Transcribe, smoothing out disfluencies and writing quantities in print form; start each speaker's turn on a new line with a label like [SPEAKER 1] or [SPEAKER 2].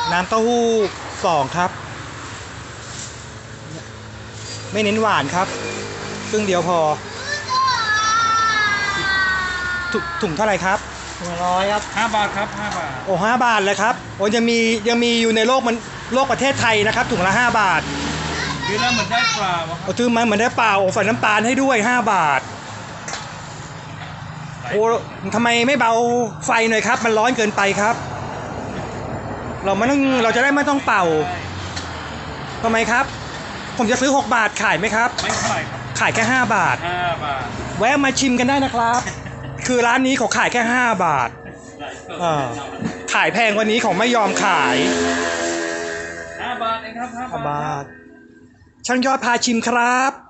[SPEAKER 1] น้ำเต้าหู้2ครับไม่เน้นหวานครับครึ่งเดียวพอถุงเท่าไหร่ครับ
[SPEAKER 2] 100ครับ5 บาทครับ5 บาท
[SPEAKER 1] โอ้5 บาทเลยครับโอ้ยังมีอยู่ในโลกประเทศไทยนะครับถุงละ5 บาท
[SPEAKER 2] คือแล้วเหมือนได้ปลาวะครับ
[SPEAKER 1] ซื้อมาเหมือนได้เปล่าใส่น้ำตาลให้ด้วย5 บาทโอ้ทำไมไม่เบาไฟหน่อยครับมันร้อนเกินไปครับเราจะได้ไม่ต้องเป่าทำไมครับผมจะซื้อ6 บาทขายไหมครับ
[SPEAKER 2] ไม่เท่าไหร่ครับ
[SPEAKER 1] ขายแค่5 บาท
[SPEAKER 2] 5 บาท
[SPEAKER 1] แวะมาชิมกันได้นะครับคือร้านนี้เขาขายแค่5 บาทขายแพงกว่านี้เขาไม่ยอมขาย
[SPEAKER 2] 5 บาทเองครับ5 บาท
[SPEAKER 1] ช่างยอดพาชิมครับ